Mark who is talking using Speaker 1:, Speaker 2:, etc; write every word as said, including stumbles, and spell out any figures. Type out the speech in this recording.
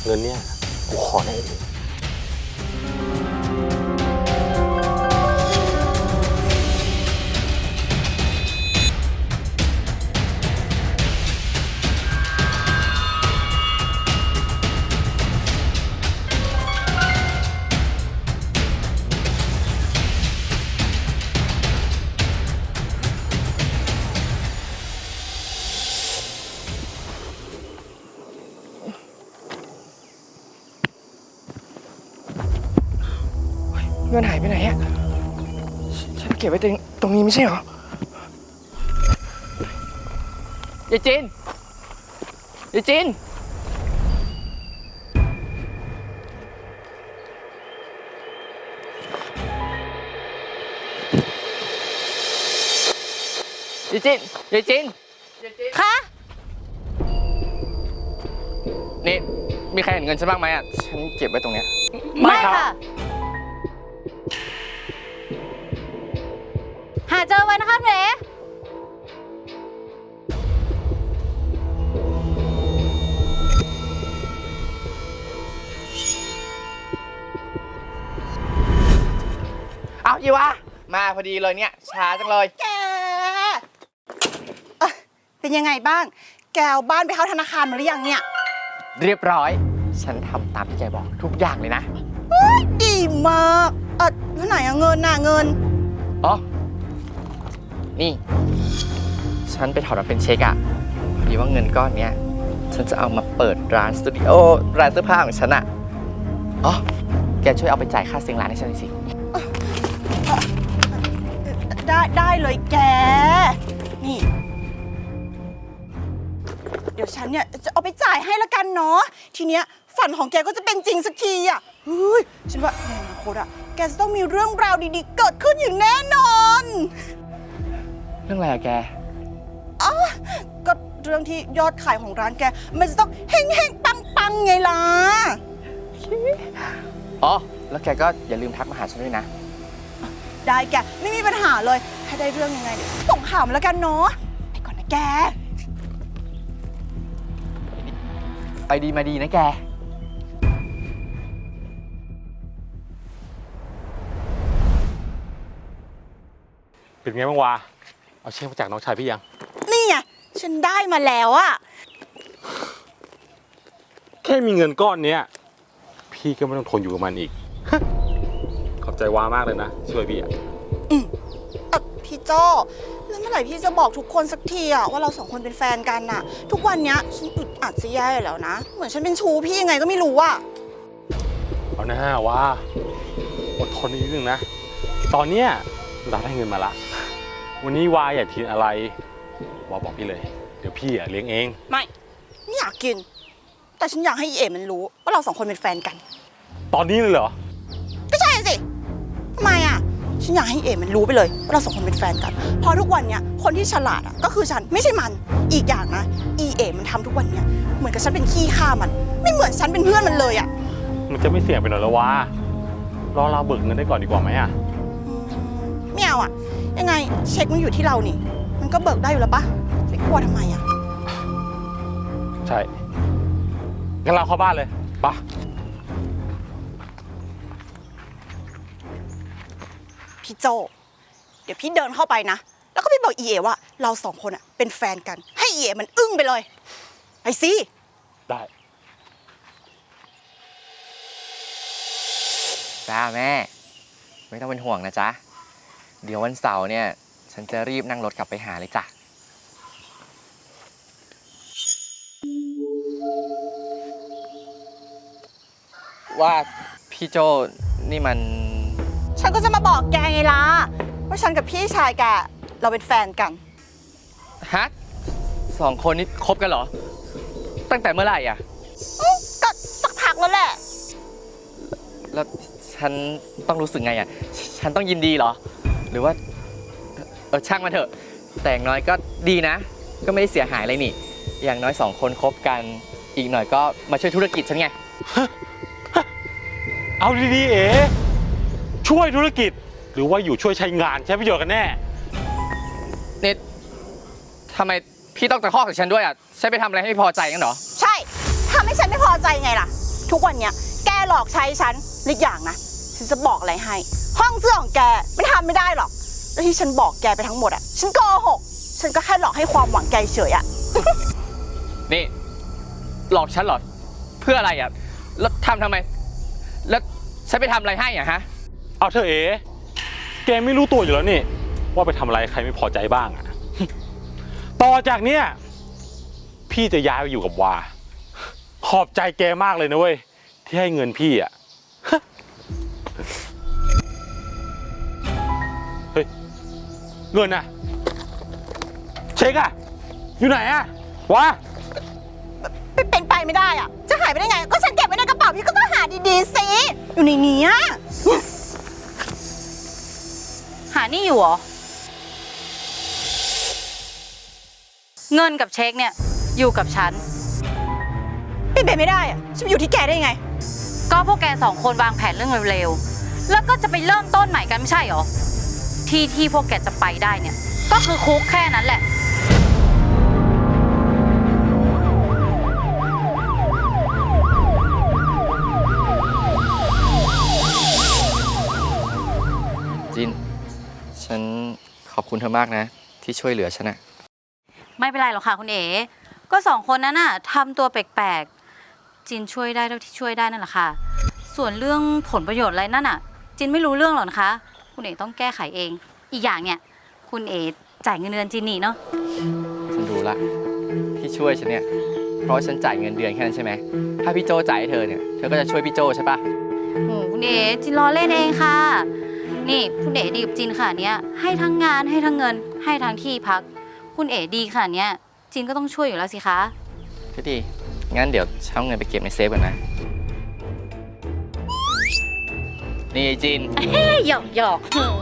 Speaker 1: เงินเนี่ยกูขอได้เอง
Speaker 2: เงินหายไปไหนอะฉันเก็บไว้ตรงตรงนี้ไม่ใช่เหรอ ยายจิน ยายจิน ยายจิน ยายจิน
Speaker 3: คะ
Speaker 2: นี่มีใครเห็นเงินฉันบ้างไหมอะฉันเก็บไว้ตรงเนี้ย
Speaker 3: ไม่ค่ะ หาเจอไว้นะคะเร
Speaker 2: เอ้ายีวะมาพอดีเลยเนี่ยช้าจังเลย
Speaker 4: แกเอ่อเป็นยังไงบ้าง แกเอาบ้านไปเข้าธนาคารมาหรือยังเนี่ย
Speaker 2: เรียบร้อย ฉันทำตามที่แกบอกทุกอย่างเลยนะ
Speaker 4: ดีมาก เออแล้วไหนอะเงินน่ะเงิน
Speaker 2: อ๋อ นี่ ฉันไปถอนมาเป็นเช็คอะพอดีว่าเงินก้อนเนี้ย ฉันจะเอามาเปิดร้านสตูดิโอ ร้านเสื้อผ้าของฉันอะอ๋อ แกช่วยเอาไปจ่ายค่าเซ็งร้านให้ฉันหน่อยสิ
Speaker 4: ได้ได้เลยแก นี่ เดี๋ยวฉันเนี่ยจะเอาไปจ่ายให้ละกันเนาะ ทีเนี้ยฝันของแกก็จะเป็นจริงสักทีอ่ะเฮ้ย ฉันว่าในอนาคตอ่ะ แกจะต้องมีเรื่องราวดีๆ เกิดขึ้นอย่างแน่นอน
Speaker 2: เรื่องอะไรอะแก
Speaker 4: ก็เรื่องที่ยอดขายของร้านแก มันจะต้องเฮงเฮงปังปังๆไงล่ะ
Speaker 2: อ๋อ แล้วแกก็อย่าลืมทักมาหาฉันด้วยนะ
Speaker 4: ได้แก ไม่มีปัญหาเลย ถ้าได้เรื่องยังไงเดี๋ยวส่งข่าวมาแล้วกันเนาะ ไปก่อนนะแก
Speaker 2: ไปดีมาดีนะแก
Speaker 1: เป็นไงบ้างวะเอาเช็คมาจากน้องชายพี่ยัง
Speaker 4: นี่ไง ฉันได้มาแล้วอะ
Speaker 1: แค่มีเงินก้อนเนี้ยพี่ก็ไม่ต้องทนอยู่กับมันอีก ขอบใจวามากเลยนะช่วยพี่อะ
Speaker 4: เอ่อพี่โจแล้วเมื่อไหร่พี่จะบอกทุกคนสักทีอะว่าเราสองคนเป็นแฟนกันน่ะ ทุกวันเนี้ยฉันอึดอัดจะแย่อยู่แล้วนะ เหมือนฉันเป็นชู้พี่ยังไงก็ไม่รู้อะ
Speaker 1: เอาหน้าว่าอดทนนิดนึงนะ ตอนเนี้ยเราได้เงินมาละ วันนี้วาอยากกินอะไรวาบอกพี่เลย เดี๋ยวพี่อะเลี้ยงเอง
Speaker 4: ไม่ไม่อยากกิน แต่ฉันอยากให้อีเอ๋มันรู้ว่าเราสองคนเป็นแฟนกัน
Speaker 1: ตอนนี้เลยเหรอ
Speaker 4: ก็ใช่สิทำไมอะฉันอยากให้เอ๋มันรู้ไปเลยว่าเราสองคนเป็นแฟนกันเพราะทุกวันเนี้ยคนที่ฉลาดอะก็คือฉันไม่ใช่มัน อีกอย่างนะอีเอ๋มันทำทุกวันเนี้ยเหมือนกับฉันเป็นขี้ข้ามัน ไม่เหมือนฉันเป็นเพื่อนมันเลยอะ
Speaker 1: มันจะไม่เสี่ยงไปหน่อยเหรอวะรอเราเบิกเงินได้ก่อนดีกว่าไหมอะ
Speaker 4: ไม่เอาอะยังไงเช็คมันอยู่ที่เรานี่ มันก็เบิกได้อยู่แล้วปะไปกลัวทำไมอะ
Speaker 1: ใช่ งั้นเราเข้าบ้านเลยปะ
Speaker 4: พี่โจเดี๋ยวพี่เดินเข้าไปนะ แล้วก็พี่บอกอีเอว่าเราสองคนอะเป็นแฟนกัน ให้อีเอมันอึ้งไปเลยไปสิ
Speaker 1: ได้
Speaker 2: จ้าแม่ ไม่ต้องเป็นห่วงนะจ๊ะ เดี๋ยววันเสาร์เนี่ย ฉันจะรีบนั่งรถกลับไปหาเลยจ้ะ ว่าพี่โจนี่มัน
Speaker 4: ฉันก็จะมาบอกแกไงล่ะว่าฉันกับพี่ชายแกเราเป็นแฟนกัน
Speaker 2: ฮะสองคนนี้คบกันเหรอ ตั้งแต่เมื่อไหร่อ่ะ
Speaker 4: อื้อก็สักพักแล้วแหละ
Speaker 2: แล้วฉันต้องรู้สึกไงอ่ะ ฉันต้องยินดีเหรอ หรือว่า เออช่างมันเถอะ แต่อย่างน้อยก็ดีนะ ก็ไม่ได้เสียหายอะไรนี่ อย่างน้อยสองคนคบกัน อีกหน่อยก็มาช่วยธุรกิจฉันไง
Speaker 1: เอาดีๆเอ๋ช่วยธุรกิจ หรือว่าอยู่ช่วยใช้งานใช้ประโยชน์กันแน่
Speaker 2: นี่ทำไมพี่ต้องตะคอกกับฉันด้วยอ่ะ ฉันไปทำอะไรให้ไม่พอใจงั้นเหรอ
Speaker 4: ใช่ทำให้ฉันไม่พอใจไงล่ะทุกวันเนี้ยแกหลอกใช้ฉันอีกอย่างนะฉันจะบอกอะไรให้ ห้องเสื้อของแกมันทำไม่ได้หรอกแล้วที่ฉันบอกแกไปทั้งหมดอะฉันโกหกฉันก็แค่หลอกให้ความหวังแกเฉยอะ
Speaker 2: นี่หลอกฉันเหรอเพื่ออะไรอ่ะแล้วทำทำไม แล้วฉันไปทำอะไรให้อ่ะฮะ
Speaker 1: เอาเธอเอ๋แกไม่รู้ตัวอยู่แล้วนี่ว่าไปทำอะไรใครไม่พอใจบ้างอะ ต่อจากเนี้ยพี่จะย้ายไปอยู่กับวา ขอบใจแกมากเลยนะเว้ยที่ให้เงินพี่อะ เฮ้ยเงินอะเช็คอะอยู่ไหนอะวา
Speaker 4: เป็นเป็นไปไม่ได้อะจะหายไปได้ไงก็ฉันเก็บไว้ในกระเป๋าพี่ก็ต้องหาดีๆสิอยู่ในนี้อะ
Speaker 3: หานี่อยู่เหรอ เงินกับเช็คเนี่ยอยู่กับฉัน
Speaker 4: เป็นไปไม่ได้อะฉันไปอยู่ที่แกได้ยังไง
Speaker 3: ก็พวกแกสองคนวางแผนเรื่องเร็วๆ แล้วก็จะไปเริ่มต้นใหม่กันไม่ใช่เหรอ ที่ที่พวกแกจะไปได้เนี่ย ก็คือคุกแค่นั้นแหละ
Speaker 2: จิน ฉันขอบคุณเธอมากนะ ที่ช่วยเหลือฉันอะ
Speaker 3: ไม่เป็นไรหรอกค่ะคุณเอ๋ ก็สองคนนั้นน่ะทำตัวแปลกๆ จินช่วยได้เท่าที่ช่วยได้นั่นแหละค่ะ ส่วนเรื่องผลประโยชน์อะไรนั่นน่ะ จินไม่รู้เรื่องหรอกนะคะ คุณเอ๋ต้องแก้ไขเอง อีกอย่างเนี่ย คุณเอ๋จ่ายเงินเดือนจินนี่เนาะ
Speaker 2: ฉันรู้ละที่ช่วยฉันเนี่ย เพราะว่าฉันจ่ายเงินเดือนแค่นั้นใช่ไหม ถ้าพี่โจจ่ายให้เธอเนี่ย เธอก็จะช่วยพี่โจใช่ปะ
Speaker 3: โอ้คุณเอ๋จินรอเล่นเองค่ะ นี่คุณเอ๋ดีกับจินค่ะเนี้ยให้ทั้งงานให้ทั้งเงิน ให้ทั้งที่พัก คุณเอ๋ดีค่ะเนี้ยจินก็ต้องช่วยอยู่แล้วสิคะ
Speaker 2: พี่ดี งั้นเดี๋ยวเช่าเงินไปเก็บในเซฟก่อนนะ นี่ไอ้จิน
Speaker 3: หยอกหยอก